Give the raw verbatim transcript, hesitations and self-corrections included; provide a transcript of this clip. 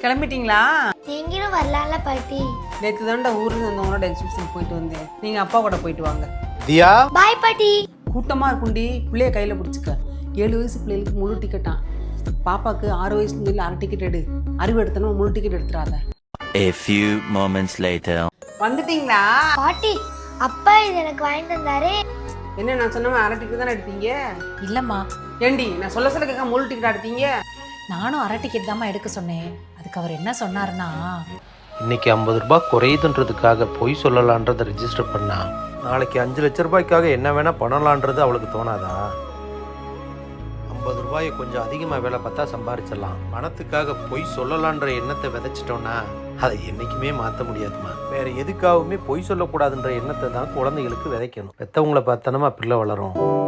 கிளம்பிட்டீங்களா? நீங்களும் வரலாம்ல பாட்டி. நேற்று தாண்டா ஊருக்கு வந்தவங்களோட எக்ஸிபிஷன் போயிட்டு வந்தேன். நீங்க அப்பா கூட போயிட்டு வாங்க. தியா பாய் பாட்டி. கூட்டமா இருக்குண்டி, பிள்ளைய கையில பிடிச்சிக்க. ஏழு வயசு பிள்ளைகளுக்கு முழு டிக்கெட்டான். பாப்பாக்கு ஆறு வயசுன்னு சொல்லி அரை டிக்கெட் எடு. அறிவு எடுத்தனும் முழு டிக்கெட் எடுத்துறாத. A few moments later. வந்துட்டீங்களா? பாட்டி அப்பா இது எனக்கு வாங்கிட்டு வந்தாரு. என்ன நான் சொன்ன அரை டிக்கெட் தானே எடுத்தீங்க? இல்லம்மா, ஏண்டி நான் சொல்ல சொல்ல கேட்க முழு டிக்கெட் எடுத்தீங்க? நானும் அரை டிக்கெட் தாம்மா எடுக்க சொன்னேன். அதுக்கு அவர் என்ன சொன்னாருன்னா, இன்னைக்கு ஐம்பது ரூபாய் குறையுதுன்றதுக்காக பொய் சொல்லலான்றதை ரெஜிஸ்டர் பண்ணா நாளைக்கு அஞ்சு லட்ச ரூபாய்க்காக என்ன வேணா பண்ணலான்றது அவளுக்கு தோணாதா? ஐம்பது ரூபாயை கொஞ்சம் அதிகமாக வேலை பார்த்தா சம்பாரிச்சிடலாம். பணத்துக்காக பொய் சொல்லலான்ற எண்ணத்தை விதைச்சிட்டோன்னா அதை என்றைக்குமே மாற்ற முடியாதுமா. வேற எதுக்காகவுமே பொய் சொல்லக்கூடாதுன்ற எண்ணத்தை தான் குழந்தைகளுக்கு விதைக்கணும். பெற்றவங்களை பார்த்தனமா பிள்ளை வளரும்.